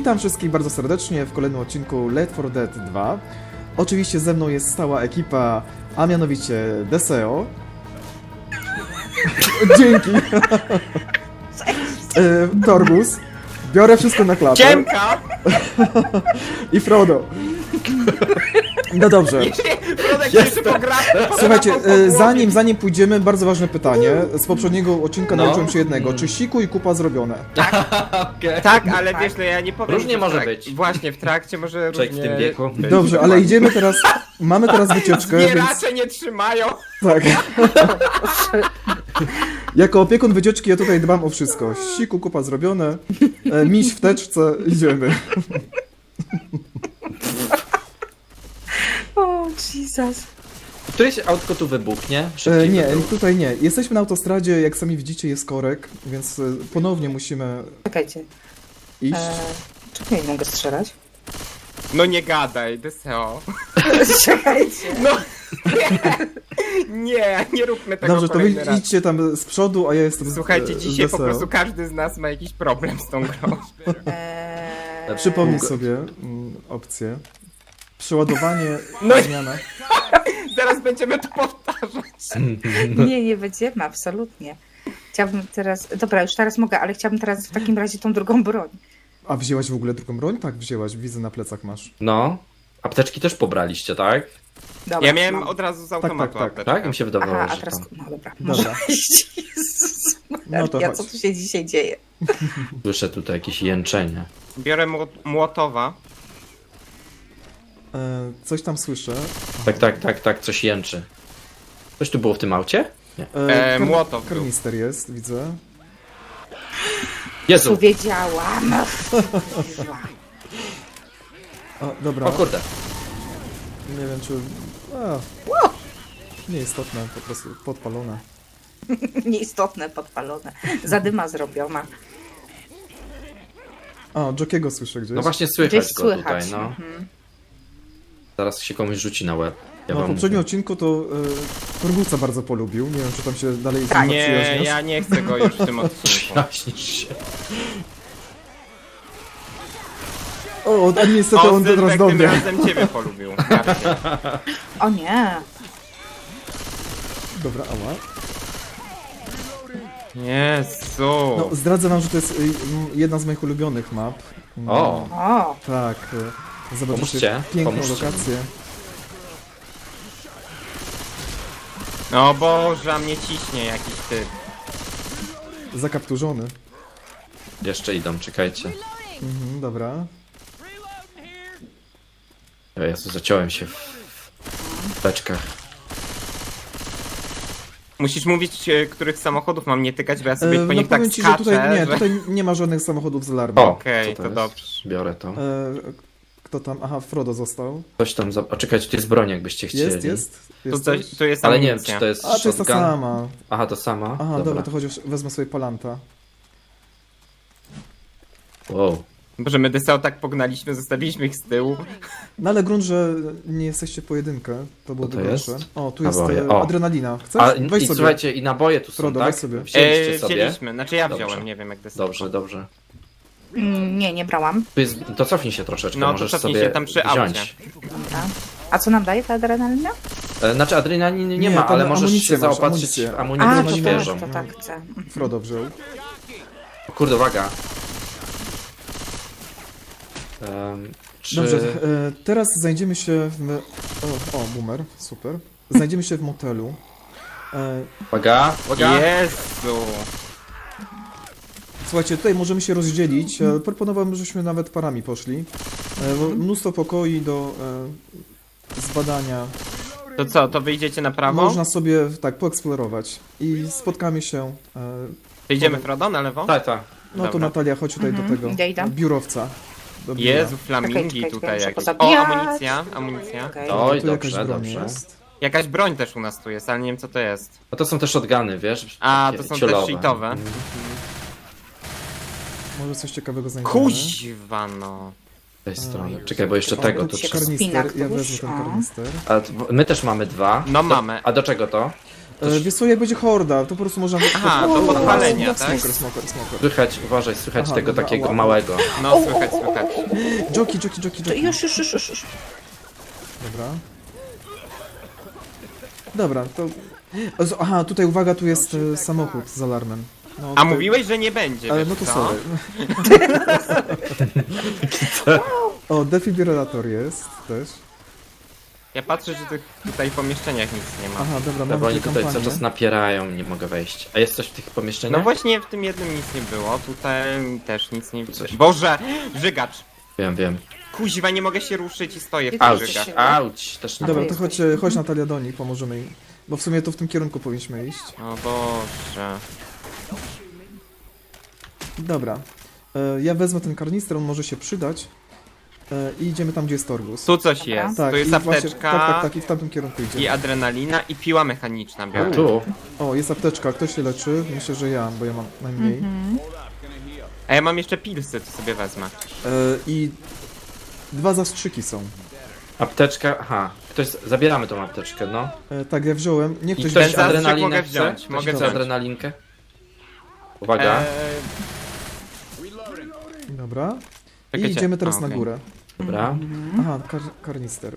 Witam wszystkich bardzo serdecznie w kolejnym odcinku Left 4 Dead 2. Oczywiście ze mną jest stała ekipa, a mianowicie Deseo. Dzięki. Torgus. Biorę wszystko na klapę. Ciemka! I Frodo. No dobrze. Frodek jeszcze pogra... Słuchajcie, zanim pójdziemy, bardzo ważne pytanie. Z poprzedniego odcinka nauczyłem się jednego. Czy siku i kupa zrobione? Okay. Tak, ale wiesz, no ja nie powiem. Różnie że w może trak- być. Właśnie, w trakcie może Człowiek w różnie... tym wieku. być. Dobrze, ale idziemy teraz. Mamy teraz wycieczkę, więc. Zbieracze nie trzymają. Tak. Jako opiekun wycieczki ja tutaj dbam o wszystko. Siku, kupa zrobione. Miś w teczce, idziemy. O, Jesus. Któreś autko tu wybuchnie? Szybciej Nie, by było. tutaj nie. Jesteśmy na autostradzie, jak sami widzicie jest korek, więc ponownie musimy Czekajcie. iść. Czemu ja nie mogę strzelać? No nie gadaj, Deseo. Czekajcie. No nie róbmy tego Dobrze, to wy kolejny raz. idźcie tam z przodu, a ja jestem z Słuchajcie, dzisiaj po Deseo. prostu każdy z nas ma jakiś problem z tą grą. Przypomnij sobie opcję. Przeładowanie, No i- zmiana. Zaraz będziemy to powtarzać. Nie będziemy, absolutnie. Chciałabym teraz... Dobra, już teraz mogę, ale chciałabym teraz w takim razie tą drugą broń. A wzięłaś w ogóle drugą broń? Tak, wzięłaś. Widzę, na plecach masz. No. Apteczki też pobraliście, tak? Dobra, Ja miałem mam. od razu z automatu tak, tak. apteczkę. Tak? Mi się wydawało, Aha, a że teraz... to... No dobra. Dobra. Jezus No to Maria, chodź. co tu się dzisiaj dzieje? Słyszę tutaj jakieś jęczenie. Biorę młotowa. Coś tam słyszę. Tak, coś jęczy. Coś tu było w tym aucie? Nie. Młotow był. Karnister jest, widzę. Jezu! Powiedziałam. A, dobra. O kurde. Nie wiem, czy... A, nieistotne, po prostu podpalone. Nieistotne, podpalone. Zadyma zrobiona. A, Jokiego słyszę gdzieś. No właśnie słychać Gdzieś go słychać. tutaj, no. Mhm. Zaraz się komuś rzuci na łeb. Ja No, w wam poprzednim mówię. odcinku to Torgusa bardzo polubił. Nie wiem, czy tam się dalej z Tak. nim Nie, przyjaźniasz. ja nie chcę go już w tym odcinku. Przyjaźnisz się. O, a niestety on teraz Sylwek do tym mnie. razem ciebie polubił. Bardziej. O nie. Dobra, ała. Jezu. No, zdradzę wam, że to jest jedna z moich ulubionych map. O! O, Tak, zobaczycie Pomóżcie, piękną pomóżcie. lokację. O Boże, a mnie ciśnie jakiś typ. Zakapturzony. Jeszcze idą, czekajcie. Dobra. O Jezu, zaciąłem się w beczkach. Musisz mówić, których samochodów mam nie tykać, bo ja sobie po No nich tak powiem ci, że skaczę, tutaj nie, że... tutaj nie ma żadnych samochodów z alarmem. O! Okej, co to jest? dobrze. Biorę to. Kto tam? Aha, Frodo został. Coś tam O, czekajcie, tu jest broń, jakbyście chcieli. Jest Tu, coś? tu jest Ale nie wiem, amunicja. czy to jest A, to jest ta shotgun. sama. Aha, to sama? Aha, dobra, to chociaż wezmę sobie palanta. Wow. Boże, my Deseo tak pognaliśmy, zostawiliśmy ich z tyłu. No ale grunt, że nie jesteście pojedynkę, to byłoby to gorsze. jest? O, tu jest Naboje, o. adrenalina. Chcesz? A Weź i sobie. słuchajcie, i naboje tu są, Frodo, tak? weź sobie. Wzięliście sobie. Wzięliśmy, znaczy ja Dobrze. wziąłem, nie wiem jak Deseo. Dobrze. nie brałam. Tu jest, to cofnij się troszeczkę, No, to możesz cofnij sobie się tam przy wziąć. aucie. Dobra. A co nam daje ta adrenalina? Znaczy adrenaliny nie Nie, ma, tam ale możesz amunicję się masz, zaopatrzyć amunicję. w A, amunicję to świeżą. tak, to tak chcę. Frodo wziął. Kurde, uwaga. Czy... Dobrze, teraz znajdziemy się w... O, boomer, super. Znajdziemy się w motelu. Uwaga. Jezu. Słuchajcie, tutaj możemy się rozdzielić. Proponowałbym, żebyśmy nawet parami poszli. Bo mnóstwo pokoi do zbadania. To co, to wyjdziecie na prawo? Można sobie tak poeksplorować. I spotkamy się. To idziemy Frodo na lewo? Tak. No to Dobra. Natalia, chodź tutaj do tego idę. biurowca. Do biura. Jezu, flamingi Czekaj, tutaj muszę jakieś. O, pozabijać. amunicja. Okej. Oj, Tu jakaś dobrze, broń dobrze. jest. Jakaś broń też u nas tu jest, ale nie wiem co to jest. No to są te shotguny, wiesz? A, takie to są ciulowe. te shitowe. Może coś ciekawego znajdziemy. Kuźwa no. Z tej strony. Czekaj, bo jeszcze tego tu tu się trzeba. Karnister, Spina ja któryś, wezmę ten o. karnister. A my też mamy dwa. No mamy. A do czego to? Wiesz co, jak będzie horda, to po prostu można... Aha, do podpalenia, tak? Smoker. Słychać, uważaj, słychać Aha, tego dobra, takiego ała. małego. No, słychać. Joki. To już. Dobra. Dobra, to... Aha, tutaj uwaga, tu jest samochód z alarmem. No, A tutaj- mówiłeś, że nie będzie, Ale wiesz no to co? sorry. O, defibrylator jest też. Ja patrzę, że tych tutaj pomieszczeniach nic nie ma. Aha, dobra, Bo mamy oni tę tutaj cały kampanię. czas napierają, nie mogę wejść. A jest coś w tych pomieszczeniach? No właśnie w tym jednym nic nie było, tutaj też nic nie widzę. Coś. Boże! Żygacz! Wiem. Kuźwa, nie mogę się ruszyć i stoję w tym Auć, żygaczu. auć, też nie. Dobra, to to chodź Natalia do nich, pomożemy im. Bo w sumie to w tym kierunku powinniśmy iść. O Boże. Dobra. Ja wezmę ten karnister, on może się przydać. I idziemy tam, gdzie jest Torgus. Tu coś jest, tu jest i właśnie- apteczka tak, i w tamtym kierunku i idziemy. adrenalina i piła mechaniczna A biorę. tu? O, jest apteczka, kto się leczy? Myślę, że ja, bo ja mam najmniej. A ja mam jeszcze pilsy, to sobie wezmę. I 2 zastrzyki są. Apteczka, aha. Zabieramy tą apteczkę, no. Tak, ja wziąłem. Nie I ktoś ktoś ten zastrzyk adrenalinę mogę chce? wziąć, Ktoś mogę chce wziąć. adrenalinkę? Uwaga. Dobra. I Czekajcie. idziemy teraz A, na okej. górę. Dobra. Aha, karnister.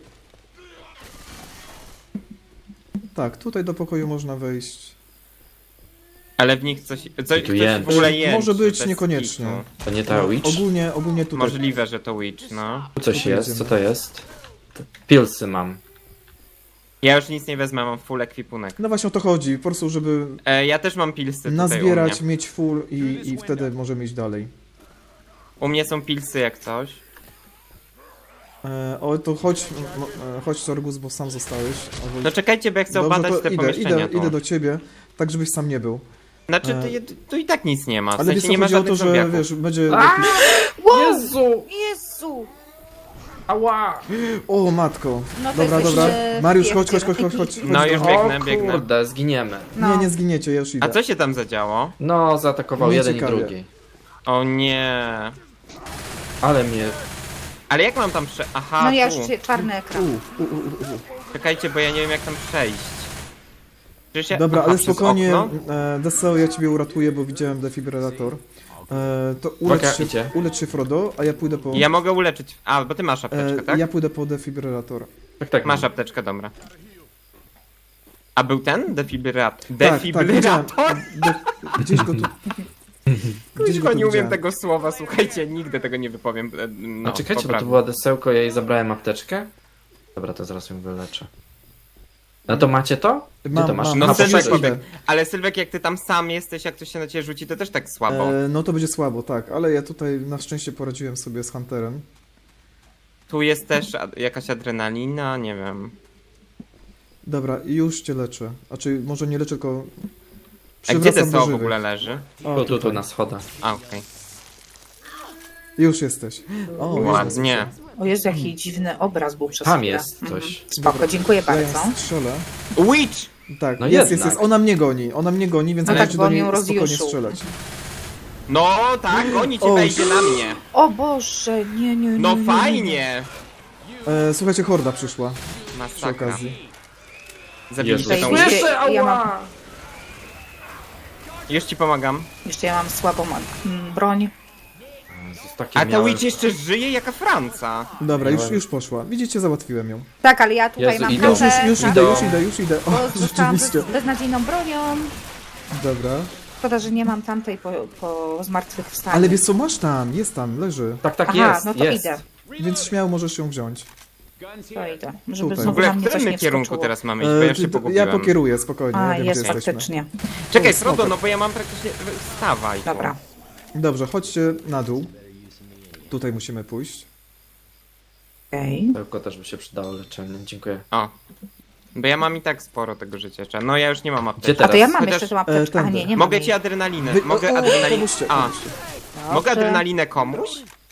Tak, tutaj do pokoju można wejść. Ale w nich coś tu coś jęczy. w ogóle jęczy. Może być bez niekoniecznie. kitu. To nie ta witch? Ogólnie tutaj. Możliwe, że to witch, no. Tu coś tu jest, idziemy. co to jest? Pilsy mam. Ja już nic nie wezmę, mam full ekwipunek. No właśnie o to chodzi, po prostu żeby Ja też mam pilsy tutaj nazbierać, u mnie. mieć full i wtedy możemy iść dalej. U mnie są pilsy jak coś. O, to chodź Sorgus, bo sam zostałeś. Albo... No czekajcie, bo ja chcę Dobrze, obadać to te idę pomieszczenia tu. do ciebie, tak żebyś sam nie był. Znaczy, E, tu i tak nic nie ma, w Ale sensie wiesz, nie ma chodzi o żadnych to, że zombiaków. wiesz, będzie... Jezu! Jezu! Ała! O, matko. No to Dobra, jest dobra. jeszcze Mariusz, chodź. No już biegnę. O kurde, zginiemy. No. Nie zginiecie, ja już idę. A co się tam zadziało? No, zaatakował Mnie jeden ciekawie. i drugi. O nie. Ale mnie... Ale jak mam tam Aha, No ja tu. już czarny ekran. Czekajcie, bo ja nie wiem jak tam przejść. Przecież ja... Dobra, Aha, ale przez spokojnie, okno? Deseo, ja ciebie uratuję, bo widziałem defibrylator. To Uwaga, idzie. ulecz się Frodo, a ja pójdę po... Ja mogę uleczyć... A, bo ty masz apteczkę, tak? Ja pójdę po defibrylator. Tak, Masz apteczkę, dobra. A był ten? Defibrylator? Tak, Defibrylator? Gdzieś go tu... Gdzieś Kuźwa, tu nie umiem widziałem. tego słowa, słuchajcie, nigdy tego nie wypowiem. No, A czekajcie, bo to poprawnie. była desełko, ja jej zabrałem apteczkę? Dobra, to zaraz ją wyleczę. No to macie to? Gdzie to masz? mam. No A, Sylwek poszedłeś. pobiegł. Ale Sylwek, jak ty tam sam jesteś, jak ktoś się na ciebie rzuci, to też tak słabo. No to będzie słabo, tak, ale ja tutaj na szczęście poradziłem sobie z Hunterem. Tu jest też jakaś adrenalina, nie wiem. Dobra, już cię leczę. Znaczy, może nie leczę, tylko... A gdzie przywracam do DSO w żywych. ogóle leży? O, Tu tutaj. na schodach. A, okej. Już jesteś. O, Ładnie. O Jezu, jaki dziwny obraz był przez Tam chwilę. jest Mhm. coś. Spoko, dziękuję Ja ją bardzo. strzelę. Witch! Tak, No jest. jednak. Ona mnie goni, więc No tak, możecie bo do on niej ją spokojnie rozjuszył. strzelać. No tak, oni cię O, wejdzie na mnie. O Boże, nie. No fajnie! Słuchajcie, horda przyszła przy Masakra. okazji. Zabiliście Jezus. tą Słyszę, witch. ja mam, Już ci pomagam. jeszcze ja mam słabą broń. Jezus, takie A ta miałem- witch jeszcze żyje jaka Franca. Dobra, Miałem- już poszła. Widzicie, załatwiłem ją. Tak, ale ja tutaj Jezu, mam idą. kasę, Już tak, idę. O, bo zostałam rzeczywiście. beznadziejną bronią. Dobra. Szkoda, że nie mam tamtej po zmartwychwstaniu. Ale wiesz co, masz tam, jest tam, leży. Tak, Aha, jest, no to jest. idę. Więc śmiało możesz ją wziąć. To idę. Żeby Tutaj. W znowu ogóle na w mnie coś którym nie kierunku wskoczyło. teraz mamy iść, bo ja już się Ja pogubiłem. pokieruję, spokojnie, A, ja wiem, jest gdzie jesteśmy. faktycznie. Czekaj, To Frodo, smoker. no bo ja mam praktycznie... Wstawaj tu. Dobra. Dobrze, chodźcie na dół. Tutaj musimy pójść. Okej. Tylko też by się przydało leczenie, dziękuję. O. Bo ja mam i tak sporo tego życia jeszcze. No ja już nie mam Gdzie apteki. teraz? A to ja mam Chociaż- jeszcze tą apteczkę. A tędy. nie mam Mogę jej. ci adrenalinę. Wy- Mogę o, adrenalinę. pomóżcie. Mogę Dobrze. adrenalinę komuś?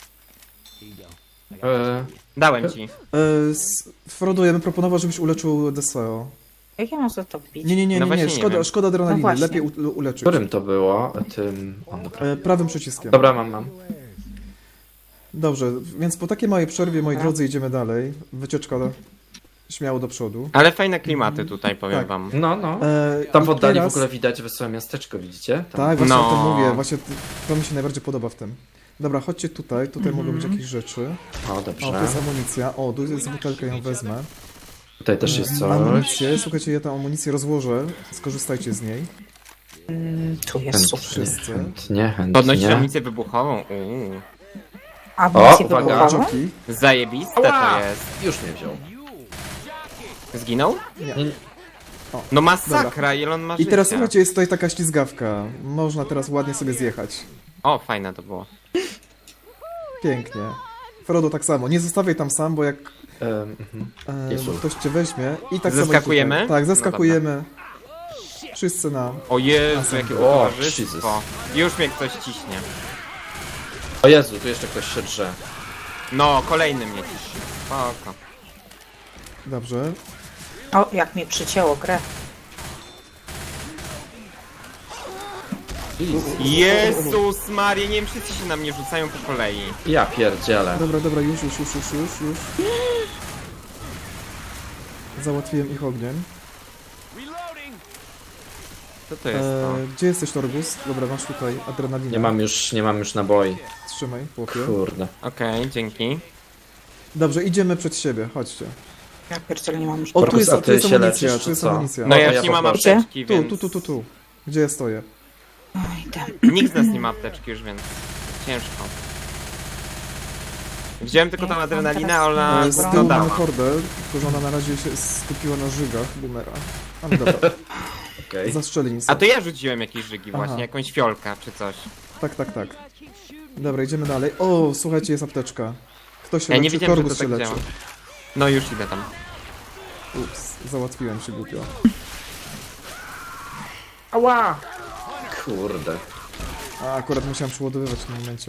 Dałem ci. Frodo, ja bym proponował, żebyś uleczył Deseo. Jak ja mam za to wbić? Nie, No właśnie nie szkoda, wiem. szkoda adrenaliny, No właśnie. lepiej uleczyć. Którym to było? Tym... O, dobra. Prawym przyciskiem. Dobra, mam. Dobrze, więc po takiej małej przerwie, moi Dobra. drodzy, idziemy dalej. Wycieczka śmiało do przodu. Ale fajne klimaty tutaj, powiem Tak. wam. No, no. I Tam w oddali teraz- w ogóle widać wesołe miasteczko, widzicie? Tam. Tak, właśnie No. o tym mówię. Właśnie to mi się najbardziej podoba w tym. Dobra, chodźcie tutaj. Tutaj mogą być jakieś rzeczy. O, O, dobrze. to jest amunicja. O, tu jest butelka, ją wezmę. Tutaj też jest coś. Amunicję. Słuchajcie, ja tę amunicję rozłożę. Skorzystajcie z niej. Tu jest super. Wszyscy. Chętnie. Podnosić amunicję wybuchową. Amunicję O, uwaga. wybuchową? Joki. Zajebiste Ała! to jest. Już mnie wziął. Zginął? Nie. No masakra, ile on ma I życia. teraz słuchajcie, jest tutaj taka ślizgawka. Można teraz ładnie sobie zjechać. O, fajne to było. Pięknie. Frodo tak samo. Nie zostawiaj tam sam, bo jak Jezu. ktoś cię weźmie i tak Zeskakujemy? samo. Tak, zeskakujemy. Wszyscy na. O Jezu, jakie O, towarzystwo. Już mnie ktoś ciśnie. O Jezu, tu jeszcze ktoś się drze. No, kolejny mnie ciśnie. Spoko. Dobrze. O, jak mnie przycięło grę. Jezus Maria, nie wiem, wszyscy się na mnie rzucają po kolei. Ja pierdzielę. Dobra, już. Załatwiłem ich ogniem. Co to jest to? Gdzie jesteś, Torgus? Dobra, masz tutaj adrenalinę. Nie mam już naboi. Trzymaj, chłopie. Kurde. Okej, dzięki. Dobrze, idziemy przed siebie, chodźcie. Ja pierdzielę, nie mam już O, tu Torgus, jest, a tu ty jest się amunicja, leczysz, tu jest czy co? amunicja. No O, ja ja już nie mam poproszę. apteczki, więc... Tu. Gdzie ja stoję? Oj, tam. Nikt z nas nie ma apteczki już, więc... Ciężko. Wziąłem tylko tą Ja mam adrenalinę, teraz- ona Z dobra. tyłu mamy dodała. hordę, tylko że ona na razie się skupiła na żygach boomera. Ale dobra, Okej. zastrzeli mi A to ja rzuciłem jakieś żygi Aha. właśnie, jakąś fiolkę czy coś. Tak. Dobra, idziemy dalej. O, słuchajcie, jest apteczka. Kto się Ja nie leczy? wiedziałem, że to Torgus tak się leczy. działa. No już idę tam. Ups, załatwiłem się głupio. Ała! Kurde. A, akurat musiałem przeładowywać w tym momencie.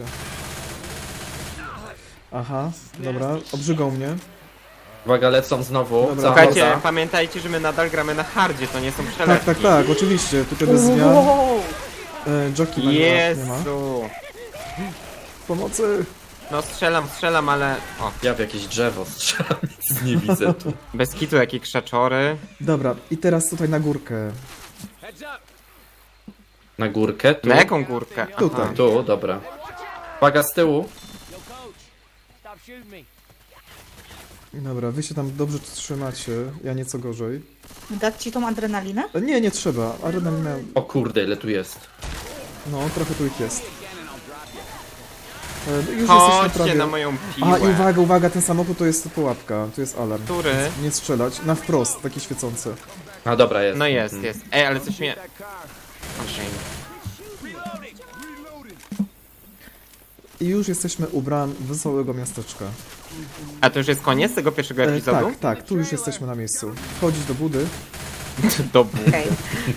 Aha, dobra, obrzygał mnie. Uwaga, lecą znowu. Dobra. Cała Słuchajcie, horda. pamiętajcie, że my nadal gramy na hardzie, to nie są Tak, przelewki. oczywiście, tutaj bez zmian. Wow. Joki nie ma. Jezu. Pomocy! No strzelam, ale... O, Ja w jakieś drzewo strzelam, nic nie widzę tu. bez kitu jakie krzaczory. Dobra, i teraz tutaj na górkę. Na górkę, tu. Na jaką górkę? Aha. Tutaj. Tu, dobra. Uwaga, z tyłu. Dobra, wy się tam dobrze trzymacie, ja nieco gorzej. Dać ci tą adrenalinę? Nie trzeba, adrenalina, O kurde, ile tu jest. no trochę tu ich jest. Już jesteśmy Chodźcie prawie... na moją piłę. A i uwaga, ten samochód to jest pułapka, tu jest alarm. Który? Nie strzelać, na wprost, takie świecące. A dobra, jest. No jest. Ej, ale coś mnie... Okej. I już jesteśmy u bram wesołego miasteczka. A to już jest koniec tego pierwszego epizodu? Tak, tu już jesteśmy na miejscu. Wchodzić do budy, Dobu. Okej.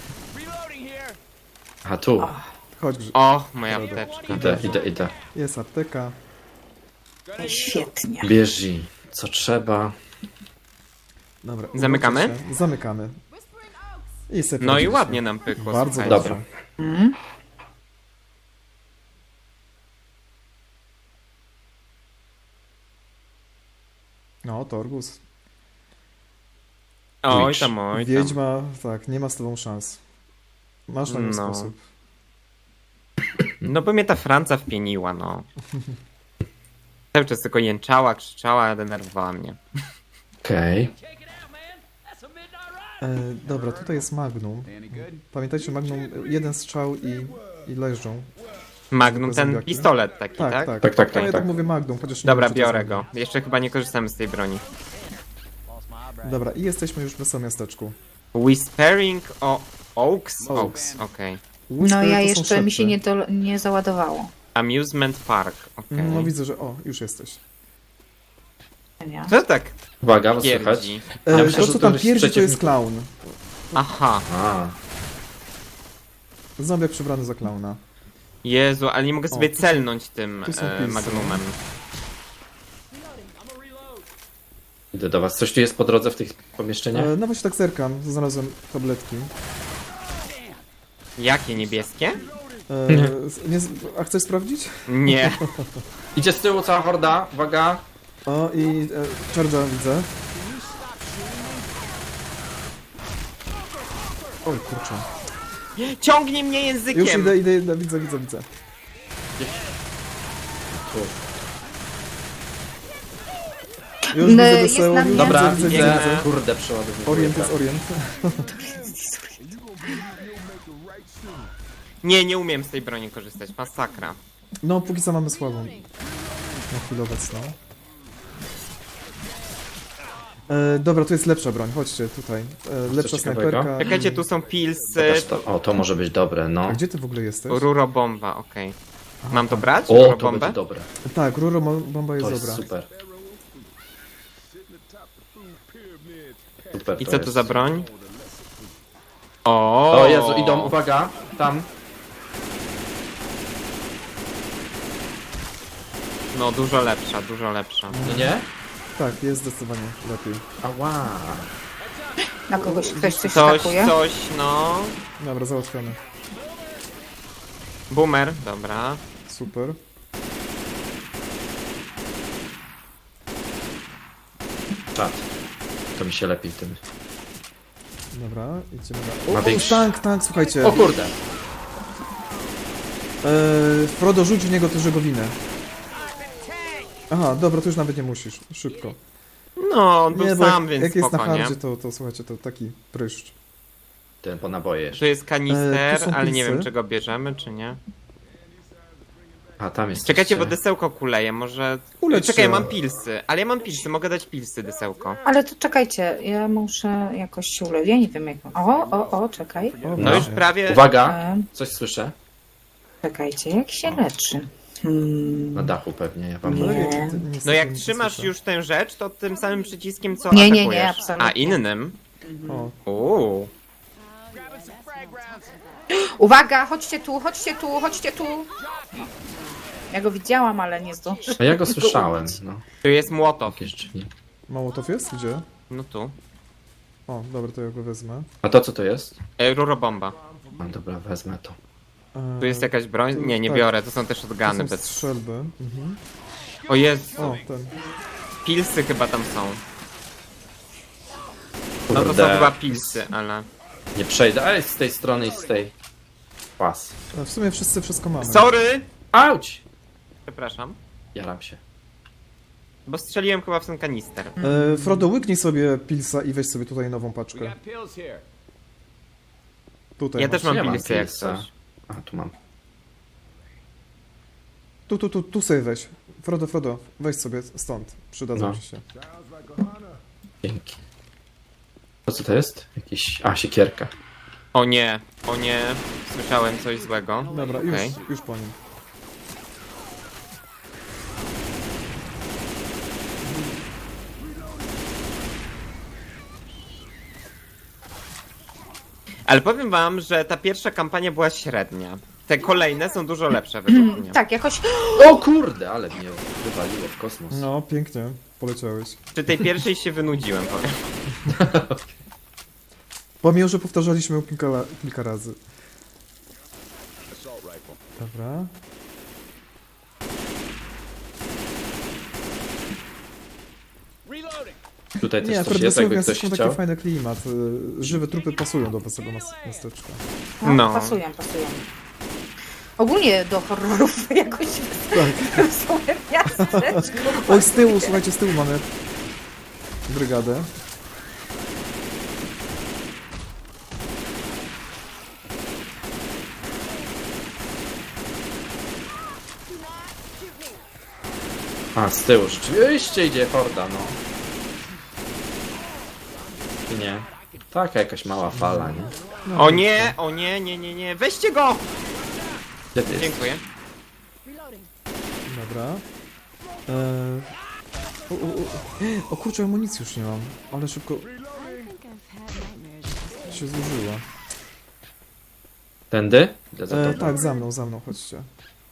A tu. chodź, O, moja apteczka. Idę. jest apteka. Świetnie. Bierz i co trzeba. Dobra, Zamykamy? udacie się. Zamykamy. I sobie No i poradziliśmy. ładnie nam pykło, Bardzo słuchajcie. dobrze. Dobra. Mm. No, Torgus. Oj tam. Wiedźma, tak, nie ma z tobą szans. Masz na nią No. sposób. No bo mnie ta Franca wpieniła, no. Cały czas tylko jęczała, krzyczała, denerwowała mnie. Okej. Dobra, tutaj jest Magnum. Pamiętajcie, Magnum, jeden strzał i leżą. Magnum, Tylko ten zombiaki. pistolet taki, tak? Tak, No ja tak tak. mówię Magnum, chociaż nie Dobra, wiem, czy to biorę jest go. Jeszcze chyba nie korzystamy z tej broni. Magnum. Dobra, i jesteśmy już w wesołym miasteczku. Whispering o Oaks? Oaks. Okej. No Whisper ja to są jeszcze mi się szepty. nie załadowało. Amusement Park, okej. No widzę, że o, już jesteś. Nie? Co tak Uwaga, was słychać. pierdzi? Ja myślę, To, że co to tam jest pierdzi, to przeciwnik. jest klaun. Aha. A, Zombiak przebrany za klauna. Jezu, ale nie mogę sobie tu są- celnąć tym tu są pilsy. Magnumem. idę do was. Coś tu jest po drodze w tych pomieszczeniach? No właśnie tak zerkam, znalazłem tabletki. Jakie niebieskie? Nie, a chcesz sprawdzić? Nie. Idzie z tyłu cała horda, uwaga. O, i Charge'a widzę. Oj, kurczę. Ciągnie mnie językiem! Już idę, widzę. Tu. Już widzę jest deseł, na już mnie. Dobra, widzę. widzę. Kurde, przeładowuję. Orient jest orient. Nie umiem z tej broni korzystać, masakra. No, póki co mamy słabą. Na chwilę obecną. Dobra, tu jest lepsza broń, chodźcie tutaj. Lepsza ciekawego? snajperka. Czekajcie, tu są pilsy, Zobacz to. O, to może być dobre, no. A gdzie ty w ogóle jesteś? rurobomba, okej. Mam to brać? O, to Rurobombę? będzie dobre. Tak, rurobomba jest To jest dobra. super. Super I to co tu jest. za broń? O, O Jezu, idą, uwaga, tam. No dużo lepsza, dużo lepsza. Nie? Tak, jest zdecydowanie lepiej. Ała. Na kogoś ktoś coś Coś, skakuje? no. Dobra, załatwiony. Boomer, dobra. Super. Czad. To mi się lepiej tym. Dobra, idziemy Ma na... O, większy- tank, słuchajcie. O kurde. Frodo, rzuć w niego tę żegowinę. Aha, dobra, to już nawet nie musisz. Szybko. No, on był Nie, bo sam, jak, więc jak jest na spoko, nie? hardzie, to słuchajcie, to taki pryszcz. Ten po naboje jeszcze. Tu jest kanister, tu są ale nie pilsy. wiem, czy go bierzemy, czy nie. A tam jest. Czekajcie, bo jeszcze. desełko kuleje, może... Ulecz Czekaj, się. mam pilsy, ale ja mam pilsy, mogę dać pilsy desełko. Ale to czekajcie, ja muszę jakoś się ulec. Ja nie wiem jak... O, czekaj. O, No No. już prawie... Uwaga, E, coś słyszę. Czekajcie, jak się leczy? Na dachu pewnie, ja wam Nie. mówię. Niestety No jak nic nie trzymasz słyszę. już tę rzecz, to tym samym przyciskiem co Nie, nie, atakujesz. absolutnie. A innym? O, Uuu. Uwaga, chodźcie tu! Ja go widziałam, ale nie zdążyłam. A ja go słyszałem, no. Tu jest młotow. Jakieś drzwi. Mołotow jest? Gdzie? No tu. O, dobra, to ja go wezmę. A to co to jest? Rurobomba. No dobra, wezmę to. Tu jest jakaś broń? tu- Nie, nie tak. biorę, to są też To odgany są bez... strzelby. Mhm. O Jezu, O, ten. pilsy chyba tam są. No to są Kurde. chyba pilsy, ale... Nie przejdę, ale z tej strony i z tej. Pas. W sumie wszyscy wszystko mamy. Sorry! Auć! Przepraszam. Jaram się. Bo strzeliłem chyba w ten kanister. Frodo, łyknij sobie pilsa i weź sobie tutaj nową paczkę. Tutaj. Ja masz. też mam Ja mam pilsy jak pilsa. coś. A, tu mam. Tu sobie weź. Frodo, weź sobie stąd. Przydadzą No. ci się. Dzięki. To co to jest? Jakiś... A, siekierka. O nie, słyszałem coś złego. Dobra, Okej. już po nim. Ale powiem wam, że ta pierwsza kampania była średnia. Te kolejne są dużo lepsze według mnie. Tak, jakoś... O kurde, ale mnie wywaliło w kosmos. No, pięknie. Poleciałeś. Przy tej pierwszej się wynudziłem, powiem. Pomimo, że powtarzaliśmy ją kilka razy. Dobra. Tutaj też Nie, coś akurat jest, wesołe jakby ktoś miasteczko taki chciał. fajny klimat. Żywe trupy pasują do wesołego miasteczka. No, No. pasują. Ogólnie do horrorów jakoś są miasteczko. Oj, z tyłu, słuchajcie, z tyłu mamy brygadę. A, z tyłu rzeczywiście idzie horda, no. Nie. Taka jakaś mała fala, nie? O nie, nie, weźcie go! Gdzie ty jest? Dziękuję. Dobra. O kurczę, amunicji już nie mam. Ale szybko się zużyła. Tędy? Idę za tobą. Tak, za mną, chodźcie.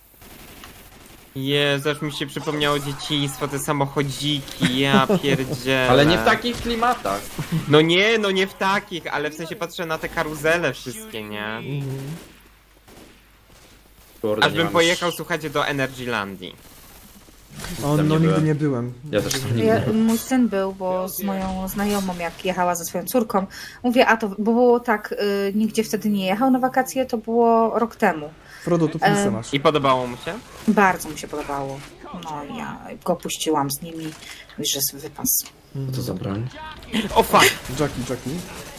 Jezu, aż mi się przypomniało dzieciństwo, te samochodziki, ja pierdzielę. Ale nie w takich klimatach. No nie w takich, ale w sensie patrzę na te karuzele wszystkie, nie? Kurde, Aż nie bym mam pojechał, już- słuchajcie, do Energylandii. O, Tam no nie nigdy byłem. nie byłem. Ja też tam nie Ja, byłem. mój syn był, bo z moją znajomą, jak jechała ze swoją córką, mówię, a to bo było tak, nigdzie wtedy nie jechał na wakacje, to było rok temu. Frodo, tu pilsę masz. I podobało mu się? Bardzo mi się podobało. No ja go puściłam z nimi, już jest wypas. Co to za broń? O fuck! Jackie.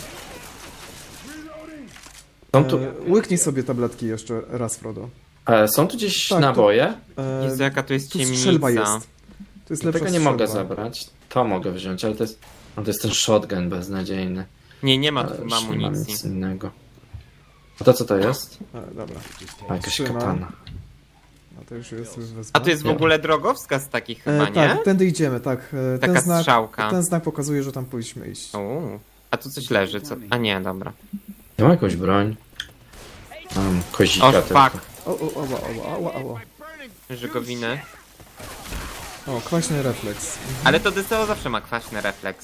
Są tu, Łyknij sobie tabletki jeszcze raz, Frodo. są tu gdzieś Tak, tu- naboje? Jezu, jaka tu jest Tu strzelba ciemnica. jest. To jest lepsza Tego nie mogę strzelba. zabrać. To mogę wziąć, ale to jest... No to jest ten shotgun beznadziejny. Nie ma Ale tu już nie mam amunicji. nic innego. A to co to jest? Dobra. A, jakaś Trzyma. katana. No to już jest wezwa. A tu jest w Nie. ogóle drogowskaz taki chyba, nie? Tak, tędy idziemy, tak. Taka strzałka. Ten znak pokazuje, że tam powinniśmy iść. A tu coś leży, co? A nie, dobra. Ja mam jakąś broń. Mam kozika O tylko. fuck! O. Żygowiny. O, kwaśny refleks. Ale to DSO zawsze ma kwaśny refleks.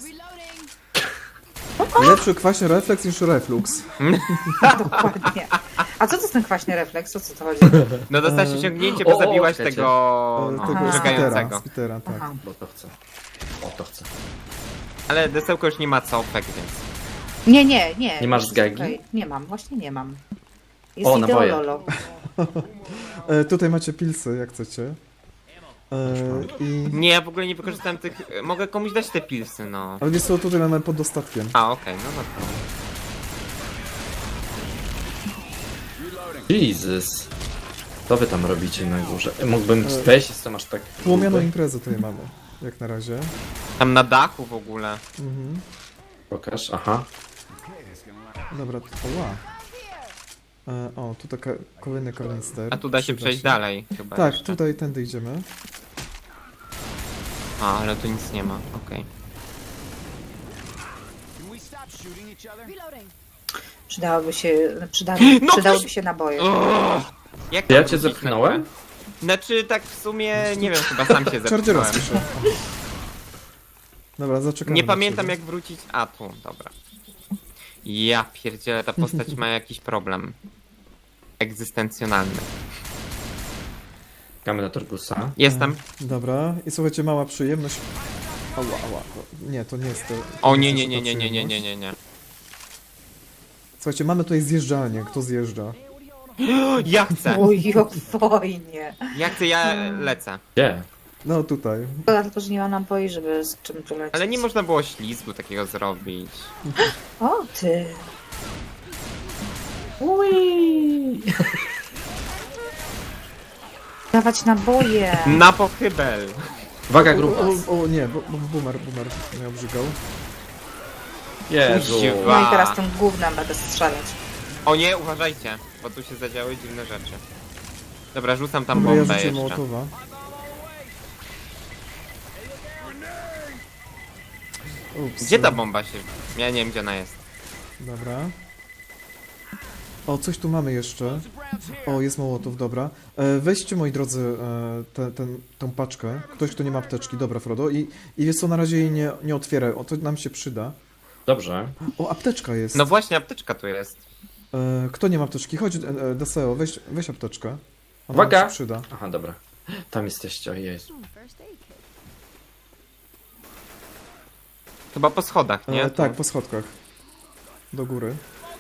Lepszy kwaśny refleks niż reflux. Dokładnie. A co to jest ten kwaśny refleks? O co to chodzi? No dostałeś osiągnięcie, bo o, zabiłaś czekajcie. tego Tego żegającego. Spitera, tak. Aha. Bo to chcę. O, to chcę. Ale desełko już nie ma cofek, więc... Nie. Nie masz zgagi? Czekaj, nie mam, właśnie nie mam. Jest O, naboje. ideololo. Tutaj macie pilsy, jak chcecie. I... Nie, ja w ogóle nie wykorzystałem tych... Mogę komuś dać te pilsy, no. Ale wiesz co, tutaj mamy pod dostatkiem. A, okej, no to... Jesus. Co wy tam robicie na górze? Mógłbym wejść, jestem aż tak... Płomianą gruby. imprezę tutaj mamy, jak na razie. Tam na dachu w ogóle. Mhm. Pokaż, aha. Dobra, oła. O, tu taka kolejny karnister. A tu da się Przyda przejść dalej chyba Tak, jeszcze. tutaj, tędy idziemy. A, ale tu nic nie ma, okej. Przydałoby się, No przydałyby się naboje. Jak Ja tam cię wrócić na zepchnąłem? górę? Znaczy, tak w sumie, nie wiem, chyba sam się Chargera zepchnąłem. słyszę. Dobra, zaczekamy. Nie na pamiętam ciebie. jak wrócić... A, tu, dobra. Ja pierdzielę, ta postać ma jakiś problem. Egzystencjonalny. Czekamy na Torgusa. Jestem. Dobra, i słuchajcie, mała przyjemność. Ała. Nie, to nie jest to. O to nie, jest nie, ta nie, nie, nie, nie, przyjemność. nie, nie, nie. Słuchajcie, mamy tutaj zjeżdżalnię. Kto zjeżdża? Ja chcę! Oj, o wojnie. Ja chcę, ja lecę. Gdzie? No tutaj. Szkoda tylko, że nie ma naboi, żeby z czym tu lecieć. Ale nie można było ślizgu takiego zrobić. O ty. Ui. Dawać naboje. Na pochybel! Uwaga, grupa. O nie, bo boomer mnie obrzygał. Jezu. Kuźwa. No i teraz tym gównem będę strzelać. O nie, uważajcie, bo tu się zadziały dziwne rzeczy. Dobra, rzucam tam Dobra, ja bombę rzucę jeszcze. Mołotowa. Ups. Gdzie ta bomba się... Ja nie wiem, gdzie ona jest. Dobra. O, coś tu mamy jeszcze. O, jest Mołotow, dobra. Weźcie, moi drodzy, tą paczkę. Ktoś, kto nie ma apteczki. Dobra, Frodo. I wiesz co, na razie jej nie otwieraj. O, to nam się przyda. Dobrze. O, apteczka jest. No właśnie, apteczka tu jest. Kto nie ma apteczki? Chodź, Deseo, weź apteczkę. Ona nam Uwaga! się przyda. Aha, dobra. Tam jesteście, o Jezu. Chyba po schodach, nie? Tak, po schodkach. Do góry.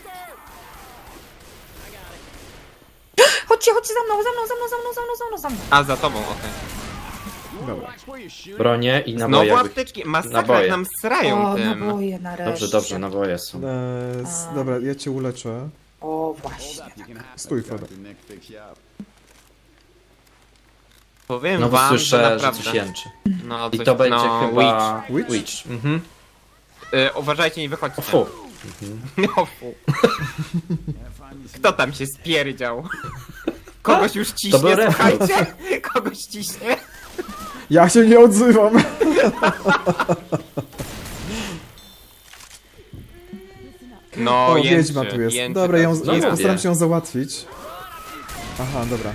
Chodźcie za mną. A, za tobą, okej. Dobra. Bronie i naboje. Znowu jakby- apteczki, masakra, naboje. jak nam srają O, tym. naboje nareszcie. Dobrze, naboje są. Dobra, ja cię uleczę. O, właśnie. Stój, Frodo. Powiem No bo wam, słyszę, że naprawdę... coś jęczy. No, I coś, to będzie no, chyba... Witch? Witch. Mhm. Uważajcie, nie wychodźcie. O fu. O fu. Kto tam się spierdział? Kogoś już To ciśnie, był refleks. słuchajcie? Kogoś ciśnie? Ja się nie odzywam! No, O, jęczy, wiedźma tu jest. jęczy Dobra, teraz. No mówię. postaram się ją załatwić. Aha, dobra.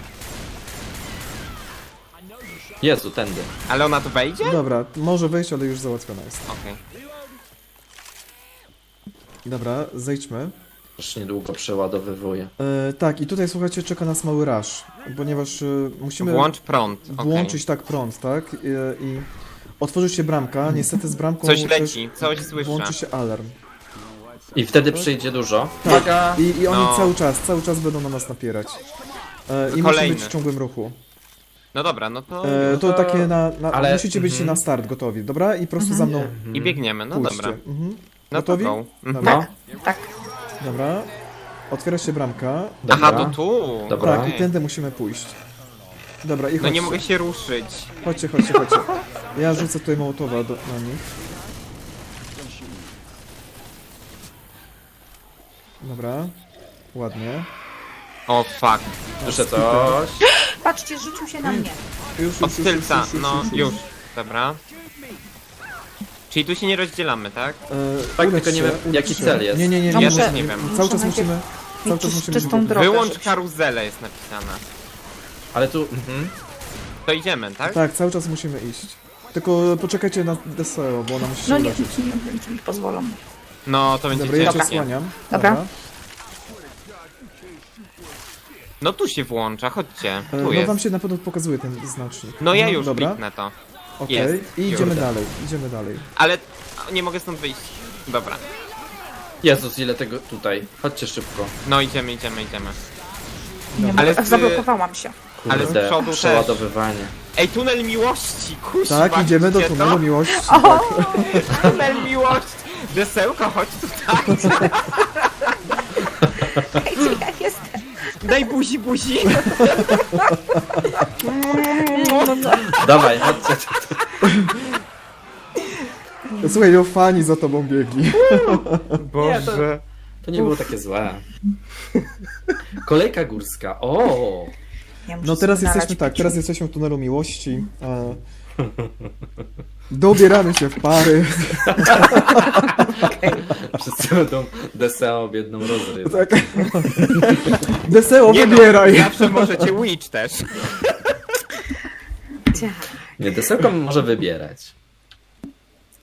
Jezu, tędy. Ale ona tu wejdzie? Dobra, może wejść, ale już załatwiona jest. Okej. Dobra, zejdźmy. Już niedługo przeładowywuję. Tak, i tutaj słuchajcie, czeka nas mały rush, ponieważ musimy Włącz prąd. włączyć tak prąd, tak? I otworzy się bramka, niestety z bramką Coś też leci, coś słyszę. włączy się alarm. I wtedy przyjdzie dużo. Tak, Uwaga! i oni No. cały czas będą na nas napierać. I musimy Kolejny. być w ciągłym ruchu. No dobra, no to... To takie ale- musicie być na start gotowi, dobra? I prosto za mną I biegniemy, no pójście. dobra. Mhm. No Gotowi? to go. Dobra. Tak. Dobra. Otwiera się bramka. Dobra. Aha, to tu. Dobra. Tak, i tędy musimy pójść. Dobra, i No chodźcie. nie mogę się ruszyć. Chodźcie. Ja rzucę tutaj Mołotowa na nich. Dobra. Ładnie. O fuck. Słyszę coś. Patrzcie, rzucił się na mnie. Od tylca, no już. Dobra. Czyli tu się nie rozdzielamy, tak? Tak, Ulecz tylko nie się, wiem, ulecz jaki się. cel jest. Nie. Ja muszę- też nie wiem. Cały czas najpierw musimy... Cały czas mieć musimy... czystą rzucać. drogę. Wyłącz rzuć. karuzelę jest napisane. Ale tu... To idziemy, tak? Tak, cały czas musimy iść. Tylko poczekajcie na Deseo, bo ona musi się No nie, uleczyć. nie pozwolą. No to będzie Dobra, ja cię ciężkie. osłaniam. Dobra. No tu się włącza, chodźcie. Tu No jest. wam się na pewno pokazuje ten znacznik. No ja już Dobra, kliknę to. okej. jest. I idziemy Już. dalej. Ale nie mogę stąd wyjść. Dobra. Jezus, ile tego tutaj. Chodźcie szybko. No idziemy. Nie Ale mogę, z- zablokowałam się. Ale z Kurde, przodu też. przeładowywanie. Ej, tunel miłości, kuźwa. Tak, idziemy do widzicie tunelu to? miłości. Tak. Tunel miłości. Desełko, chodź tutaj. Ej, gdzie ja jestem? Daj buzi. Dawaj, chodźcie. Słuchaj, no fani za tobą biegli. Boże. To nie było takie złe. Kolejka górska. O! Ja muszę No teraz sobie jesteśmy nalać tak, picia. teraz jesteśmy w tunelu miłości. Dobieramy się w pary. Wszyscy będą Deseo biedną rozryw. Tak. Deseo, Nie wybieraj. No, zawsze możecie Witch też. Ciach. Nie, Desełko może wybierać.